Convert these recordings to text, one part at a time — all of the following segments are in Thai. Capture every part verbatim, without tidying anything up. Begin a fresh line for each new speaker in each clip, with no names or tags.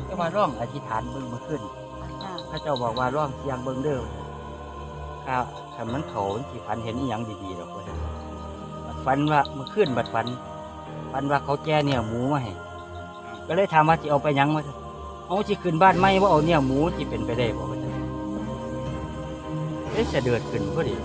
แต่ว่าร่องอธิษฐานเบิ่งมาขึ้นพระเจ้าบอกว่าร่องเสียงเบิ่งเด้อข้าถ้ามันเขาสิฝันเห็นอีหยังดีๆหรอกว่าฝันว่าเมื่อคืนบัดฝันฝันว่าเขาแก่เนี่ยหมูมาให้ก็เลยถามว่าสิเอาไปยังมาเอาสิขึ้นบ้านไหมว่าเอาเนี่ยหมูสิเป็นไปได้บ่ว่าเอ๊ะจะเดือดขึ้นพอดี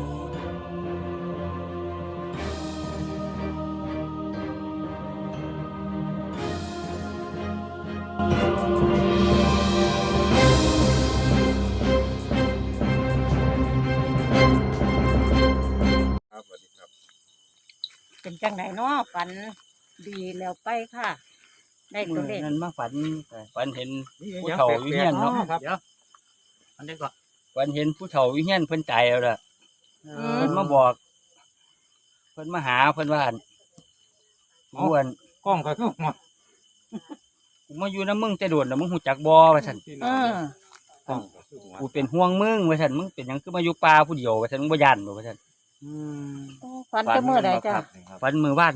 เป็นจังไหนเนาะฝันดีแล้วไปค่ะได้ตัวเลข
นั้นมาฝันฝันเห็นผู้เฒ่าอยู่เฮียนเนาะเดี๋ยวอันนี้ก็ฝันเห็นผู้เฒ่าอยู่เฮียนเพิ่นตายแล้วล่ะเพิ่นมาบอกเพิ่นมาหาเพิ่นว่าอ้วน
กล้องก็คือหัว
กูมาอยู่น้ำมึงแต่โดดแล้วมึงหูจักบ่ว่าซั่นกูเป็นห่วงมึงว่าซั่นมึงเป็นหยังคือมาอยู่ป่าผู้เดียวว่าซั่นมึงบ่ย่านบ่ว่าซั่น
อืมฝันจะมื้อใดจ้ะ
ฝันมื้อวาน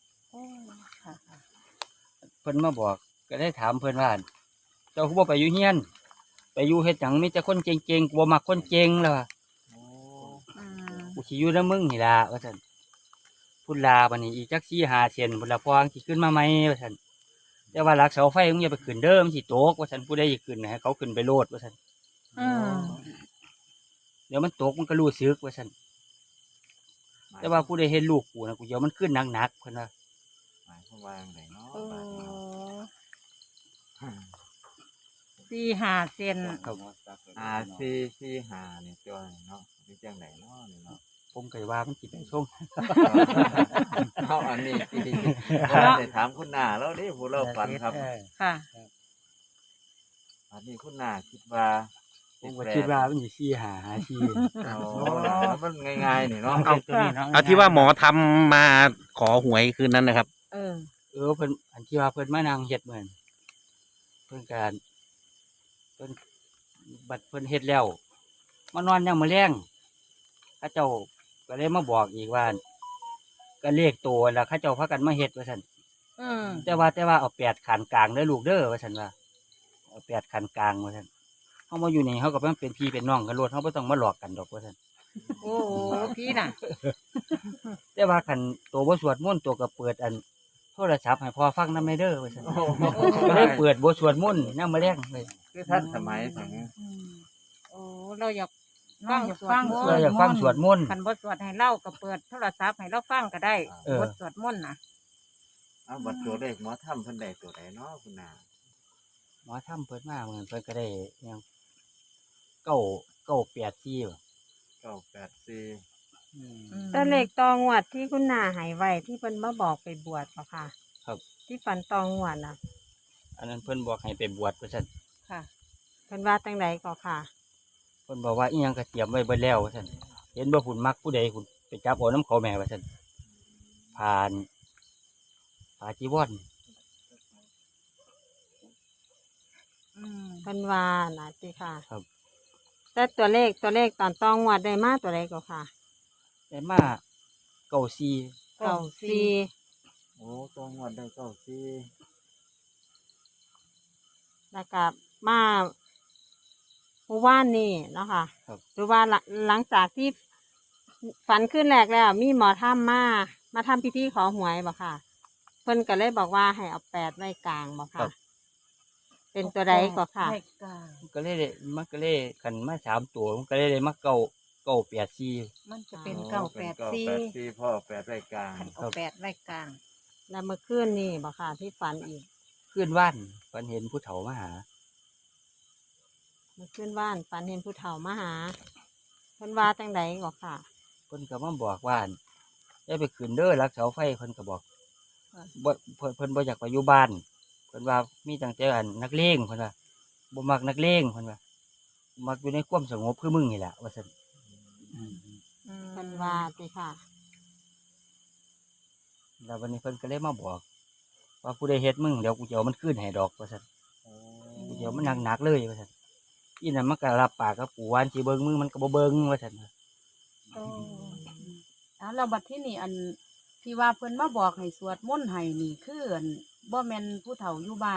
เพิ่นมาบอกก็ได้ถามเพิ่นว่าเจ้าคือบ่ไปอยู่เฮียนไปอยู่เฮ็ดหยังมีแต่คนเก่งๆกูบ่มักคนเก่งแล้วว่ากูสิอยู่นำมึงนี่ล่ะว่าซั่นพุ่นลาบัดนี้อีกจักสี่ห้าเซนพุ่นละพองสิขึ้นมาใหม่ว่าซั่นแต่ว่าหลักเสาไฟมึงอย่าไปขึ้นเด้อมันสิตกว่าซั่นผู้ใดสิขึ้นให้เขาขึ้นไปโลดว่าซั่น
อืม
เดี๋ยวมันตกมันก็รู้สึกว่าซั่นแต่ว่าผู้ใดเห็นลูกกูนะกูเดี๋ยวมันขึ้นหนักๆเพิ่นว่า
หมายความว่าจังไดเนาะ
สี่ห้าเซน
อ่าสี่สี่ห้านี่ตัวเนาะเป็นจังไดเนาะนี่เนาะ
ผมเคยว่ามันสิเป็นช่วง
เอาอันนี้ที่ได้ถามคุณหน้าแล้วนี่ผู้เราฝันครับ
ค่ะ
อันนี้คุณหน้าคิดว่า
ผมก็คิดว่ามันสิสี่ห้าหาสี่
อ๋อมันง่ายๆนี่เนาะ
เอาเอาที่ว่าหมอทำมาขอหวยคืนนั้นนะครับ
เออ
เออเพิ่นอันที่ว่าเพิ่นมานั่งเฮ็ดเหมือนเพิ่นการเพิ่นบัดเพิ่นเฮ็ดแล้วมานอนยังมื้อแลงเขาเจ้าก็เลยมาบอกอีกว่าก็เลขตัวแล้วเขาเจ้าพากันมาเฮ็ดว่าซั่น
อืม
แต่ว่าแต่ว่าเอาแปดขันกลางเด้อลูกเด้อว่าซั่นว่าเอาแปดขันกลางว่าซั่นเฮามาอยู่นี่เฮาก็เป็นพี่เป็นน้องกันโลดเฮาบ่ต้องมาหลอกกันดอกว่าซั่น
โอ้โหพี่น่ะ
แต่ว่าคันตัวบ่สวดมนต์ตัวก็เปิดอันโทรศัพท์ให้พ่อฟังนำเด้อว่าซั่นก็เลยเปิดบ่สวดมนต์นำมื้อแลงเลย
คือท่านสมัยถึง
โอ้เราอยากฟังฟัง
เราอยากฟังสวดมนต์
คันบ่สวดให้เล่าก็เปิดโทรศัพท์ให้เราฟังก็ได้บทสวดมนต์น่ะ
เอาบัดตัวเลขหมอทำเพิ่นได้ตัวใดเนาะคุณน่ะ
หมอทำเพิ่นมาเหมือนเพิ่นก็ได้ยังเก้าเก้าแปดสี่บ่
เก้าแปดสี่
ตัวเลขตองวดที่คุณนาหายไว้ที่เพิ่นมาบอกไปบวชป่ะค่ะ
ครับ
ที่ฝันตองวดน่ะ
อันนั้นเพิ่นบอกให้ไปบวชว่าซั่น
ค่ะเพิ่นว่าจังไดก็ค่ะ
เพิ่นบอกว่าอีหยังก็เตรียมไว้เบิดแล้วว่าซั่นเห็นบ่หุ่นมักผู้ใดหุ่นไปจับเอาน้ำเขาแม่ว่าซั่นผ่านผ่าจีวร
อืมเพิ่นว่าน่ะสิค่ะ
ครับ
แต่ตัวเลขตัวเลขตอนตองวดได้มาตัวใดก็ค่ะ
ได้มาเก้าสี่
เก้าสี่
โอ้ตองวดได้เก้าสี่
แล้วก็มาเมื่อวานนี่เนาะค่ะหรือว่าหลังจากที่ฝันขึ้นแรกแล้วมีหมอถ้ำมามาทำพิธีขอหวยบ่ค่ะเพิ่นก็เลยบอกว่าให้เอาแปดไว้กลางบ่ค่ะเป็นตัวใดก็ค่ะ
ก็เลยมันก็เลยขันมาสามตัวมันก็เลยได้มาเก้าเก้าแปดสี่
มันจะเป็นเก้าแปดสี่
พ่อแปดไว้กลาง
เอาแปดไว้กลาง
แล้วเมื่อคืนนี่บ่ค่ะที่ฝันอีก
คืนว่านฝันเห็นผู้เฒ่ามาหา
เมื่อคืนว่านฝันเห็นผู้เฒ่ามาหาเพิ่นว่าจังไดก็ค่ะ
เพิ่นก็มาบอกว่าได้ไปขึ้นเด้อรักเสาไฟเพิ่นก็บอกบ่เพิ่นเพิ่นบ่อยากไปอยู่บ้านเพิ่นว่ามีตั้งแต่อันนักเลงเพิ่นว่าบ่มักนักเลงเพิ่นว่ามักอยู่ในความสงบคือมึงนี่แหละว่าซั่น
เพิ่นว่าติค่ะ
แล้ววันนี้เพิ่นก็เลยมาบอกว่าผู้ใดเฮ็ดมึงเดี๋ยวกูจะเอามันขึ้นให้ดอกว่าซั่นกูจะเอามันหนักๆเลยว่าซั่นอีนั่นมันก็รับปากกับปู่ว่าสิเบิ่งมึงมันก็บ่เบิ่งว่าซั่น
โอ้อ่าแล้วบัดที่นี่อันที่ว่าเพิ่นมาบอกให้สวดมนต์ให้นี่คืออันบ่แม่นผู้เฒ่าอยู่บ้านค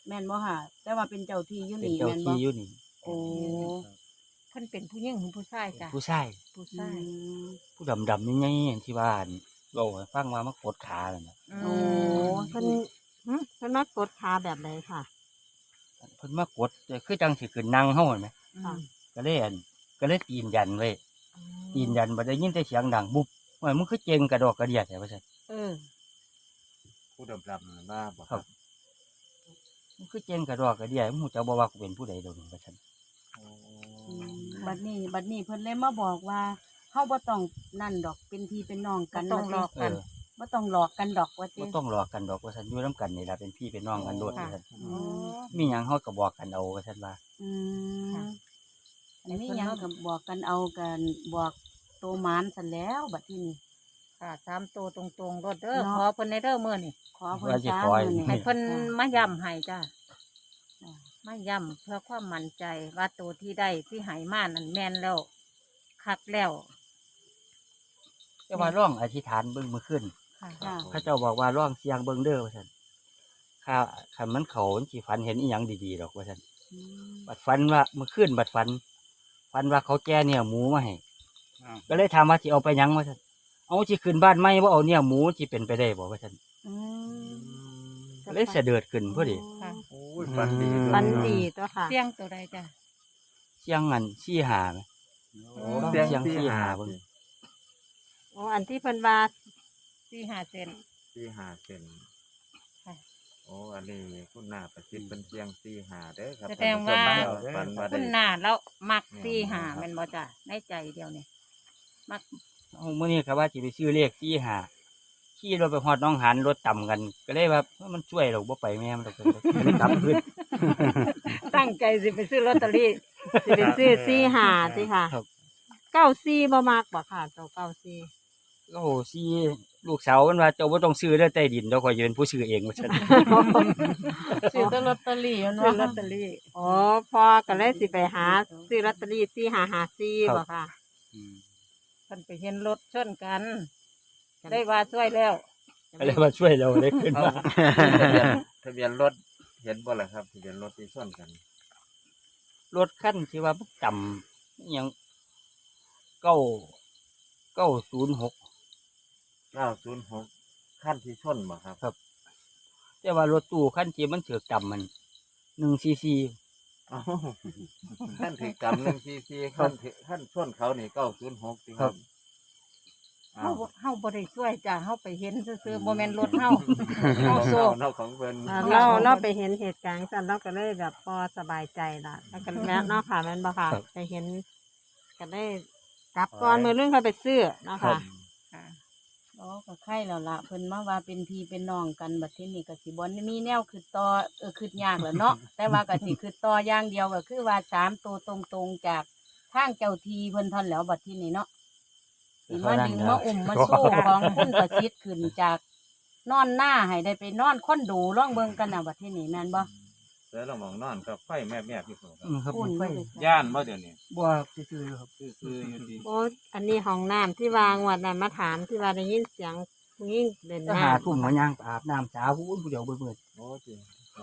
แม่นบ่ค่ะแต่ว่าเป็นเจ้าที่อยู่
เป็น
นี่
เจ้า
แม่นบ่
ที่อยู่นี่
โอ้
เพิ่นเป็นผู้หญิงหรือผู้ชายจ้ะ
ผู้ชาย
ผู้
อื
ชาย
ม
ผู้ดำๆนี่ไงที่บ้านเราให้ฟังว่ามากดขาเลยนะ
โอ้
เพิ่นหึเพิ่นมากดขาแบบไหนค่ะ
เพิ่นมากดคือจังสิขึ้นนั่งเฮาเห็นไหม
ค่ะ
ก็เลยอันก็เลยตีนยันไว้ตีนยันบ่ได้ยินแต่เสียงดังบุบว่ามึงคือเจงกระดอกกระเดียดแท้ว่าซั่น
เออ
ผู้ดำดำมาบ่
ครับ มึงคือเจงกระดอกกระเดียดมึงรู้จักบ่ว่ากูเป็นผู้ใดดอกนี่ว่าซั่น
โอ้
บัดนี้บัดนี้เพิ่นเลยมาบอกว่าเฮาบ่ต้องนั่นดอกเป็นพี่เป็นน้องกัน
บ่ต้องหลอก
เอ
กัน
อ
บ่ต้องหลอกกันดอกว่าติ
บ่ต้องหลอกกันดอกว่าซั่นอยู่นํกันนี่ล่ะเป็นพี่เป็นน้องกันโดด
ค่ะ
ว่าซั่น
อ๋อ
มีหยังเฮาก็บอกกันเอาว่าซั่นว่า
อืม
ค่ะ
อันนี้ยังก็บอกกันเอากันบอกโตหมานซั่นแล้วบัดทีนี้
ค่ะสามตัวตรงๆรถเด้อ
เนาะ
ขอเพิ่นในเด้อมื้อนี่
ขอเพิ่น
ว่าสิ
จ้า
ขอให้
มื้อนี้
ให้เพิ่น
ค่ะ
มาย้ำให้จ้ะมาย้ำเพื่อความมั่นใจว่าตัวที่ได้ที่ใหายมานั่นแม่นแล้วคักแล้ว
แต่ว่าร้องอธิษฐานเบิ่งมื้อคืน
ค่ะ
ค่ะ
เขาเจ้าบอกว่าร้องเสียงเบิ่งเด้อว่าซั่นข้าคันมันเขามันสิฝันเห็นอีหยังดีๆดอกว่าซั่น
อืม
บัดฝันว่าเมื่อคืนบัดฝันฝันว่าเขาแก่เนี่ยหมูมาให้ก็เลยถามว่าสิเอาไปหยังว่าซั่นเอาสิขึ้นบ้านใหม่บ่เอาเนี่ยหมูสิเป็นไปได้บ่ว่าซั่น
อืม
ก็เลยเสด็จขึ้นพอดี
ค่ะ
โอ้ยฟันดีด้วย
ฟันดีตัวค่ะ
เสียงตัวใดจ้ะ
เสียงอันชี้หาไหม
โอ้
เสี
เสี
ย
ย
ง
ง
ที่
ที่
หา
หา
เบิ่ง
โอ้อันที่เพิ่นว่า
สี่ห้าเซน
ที่หาเส้น
ค่ะ
โอ้อันนี้คุณหน้าประสิทธิ์เป็นเสียงที่หาเด้อครับ
แสดงว่า
ฟันมา
คุ
ได้
ณหน้าแล้วมักสี่ห้าแม่นบ่จ้ะในใจเดียวนี่มัก
เอามื้อนี้ก็ว่าสิไปซื้อเลขชี้หาขี่รถไปฮอดหน้องหันรถต่ำกัน ก็เลยว่ามันช่วยเราบ่ไปแม่มันดอกเลยเลยกลับขึ้น
ตั้งใจสิไปซื้อลอตเตอรี่
สิเป็นซื้อซี่หาสิค่ะ
ครับ
เก้าซี่บ่มากบ่ค่ะตัวเก้าซี่
โอ้โหซี่ลูกสาวมันว่าเจ้าบ่ต้องซื้อเด้อใต้ดินเดี๋ยวข่อยจะเป็นผู้ซื้อเองว่าซั่น
ซื้อแต่ลอตเตอรี่มัน
ซื้อ
ว่า
ลอตเตอรี่
อ๋อพอก็เลยสิไปหาซื้อลอตเตอรี่ซี่หาหาซี่บ่ค่ะ
อืม
เพิ่นไปเห็นรถชนกัน ได้ว่าช่วยแล้ว
ก็เลยมาช่วยเราได้ขึ้น
เอา
มา
ทะเบียนรถเห็นบ่ล่ะครับทะเบียนรถที่ส่วนกัน
รถคันที่ว่ามันต่ำอิหยังเก้าเก้าศูนย์หก
เก้าศูนย์หกขั้นที่ส่วนบ่ครับ
แต่ว่ารถตู้คันที่มันเถือกต่ำมันหนึ่งซีซี
เอ้าขั้นถือกำหนึ่งซีซีขั้นถือขั้นส่วนเขานี่เก้าศูนย์หกจริงครับ
เฮา
อ้าว
บ่เฮาบ่ได้ช่วยจ้ะเฮาไปเห็นซื่อๆบ่แม่นรถเฮา เฮา
เอา
โซ
เนาะของเพิ่น
อ่าเราเราไปเห็นเหตุการณ์สั่นเราก็เลยแบบพอสบายใจละแล้วก็แม่เนาะค่ะแม่นบ่ค่ะไปเห็นก็ได้กลับก่อนมือเรื่องเขาไปซื้อเนาะค่ะ
ค่ะ
อ๋อก็ไข่แล้วล่ะเพิ่นมาว่าเป็นพี่เป็นน้องกันบัดทีนี้ก็สิบ่มีแนวคือต่อเออคือยากแหล้วเนาะ แต่ว่าก็สิคือต่ออย่างเดียวก็คือว่าสามตัวตรงๆจากทางเจ้าทีเพิ่นเท่านแหล้วบัดทีนี้เนาะสิมาดึงมาอุ้มมาสู้ของคุณประสิทธิ์ขึ้นจากนอนหน้าให้ได้ไปนอนคอนโดร่องเบิ่งกันน่ะบัดทีนี้แม่นบ่
เสือเรามองนอนกับไฟแม่แม่พี่ผมครับ
อืมครับ
อุ่น
ไฟ
เลย
ย่านบ่เดี๋ยวนี้
บัวซื่อๆครับ
คือๆอยู่ดี
โอ้อันนี้ห้องน้ำที่วางวันนั้นมาถามที่ว่าได้ยินเสียงผู้หญิงเล่น
ก็
น้
หาทุ่มมาย่างอาบน้ำสาวผู้ผู้เดียวเบิ่ง
โอ้จริง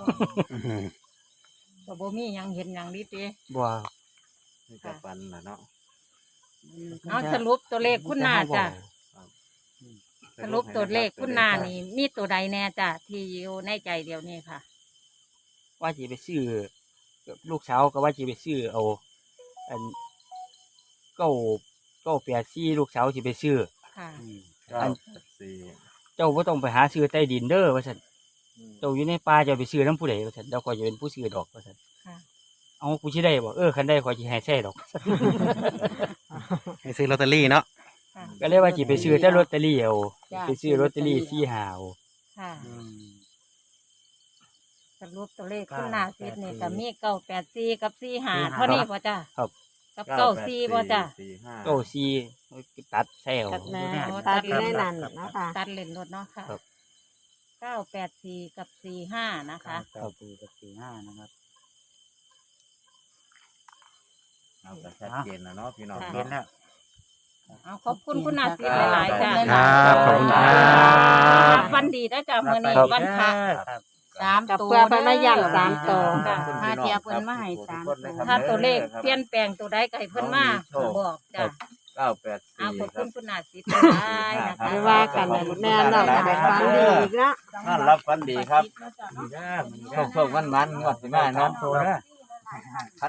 ก็บ่มีหยังเห็นหยังดีติ
ๆบัว
นี่จะปันน่ะเนาะ
เอาสรุปตัวเลขคุณนาจ้ะสรุปตัวเลขคุณนานี่มีตัวใดแน่จ้ะที่อยู่ในใจเดียวนี้ค่ะ
ว่าจะไปซื้อลูกสาวก็ว่าจะไปซื้อเอาอันเก้าเก้าแปดซี่ลูกสาวจะไปซื้อ
ค่ะ
เก้าแปดสี่
เจ้าบ่ต้องไปหาซื้อใต้ดินเด้อว่าซั่นเจ้าอยู่ในป่าเจ้าไปซื้อน้ำผู้ใดว่าซั่นเดี๋ยวข่อยจะเป็นผู้ซื้อดอกว่าซั่น
ค่ะ
เอากูสิได้บ่เออคันได้ข่อยสิให้ใส่ดอก
ให้ซื้อลอตเตอรี่เนาะ
ค่ะ
ก็เลยว่าสิไปซื้อแต่ลอตเตอรี่เอา
จ้ะ
ไปซื้อลอตเตอรี่สี่หาเอา
ค่ะ สรุปตัวเลขคุณนาซิดนี่ก็มีเก้าแปดสี่กับสี่ห้าเท่านี้ป่ะจ้ะ
ครับ
กับเก้าสี่ป่ะจ้ะ
สี่ห้า
เก้าสี่ตัดแซว
ำกับแม่ตัดอยู่ในนั้นเนาะค่ะ
ตัดเลนรถเนาะค่ะ
ครับ
เก้าแปดสี่กับสี่ห้านะคะ
เก้าสี่กับสี่ห้านะครับ
เอาแต่ชัดเจนนะเนาะพี่น้อง
ค่ะ
เห็นแล้ว
เอาขอบคุณคุณนาซิดหลายๆจ้ะ
ครับขอบคุณครับ
วันดีนะจ้ะมื่อนี้วันพระ
ครับ
ส
สาม
กับ
ตัว
เพื่อเพิ่นมาย้ำสามตัว
ค่ะหาเทียเพิ่นมาให้สามตัว
ถ้าตัวเลขเปลี่ยนแปลงตัวใดก็ให้เพิ่นมาบอกจ้ะ
เก้าแปด
เอา
สี่
ขอบ
ครั
คุ
บ
ณคุณนาสิบได้นะคะ
ไม่ว่ากันเลยแม่เราก็ได้ฟังดีอีกแล้ว
นั่นรับฟันดีครับโชคโชคมันมันงวดสิมาเนาะ
ตัวนะ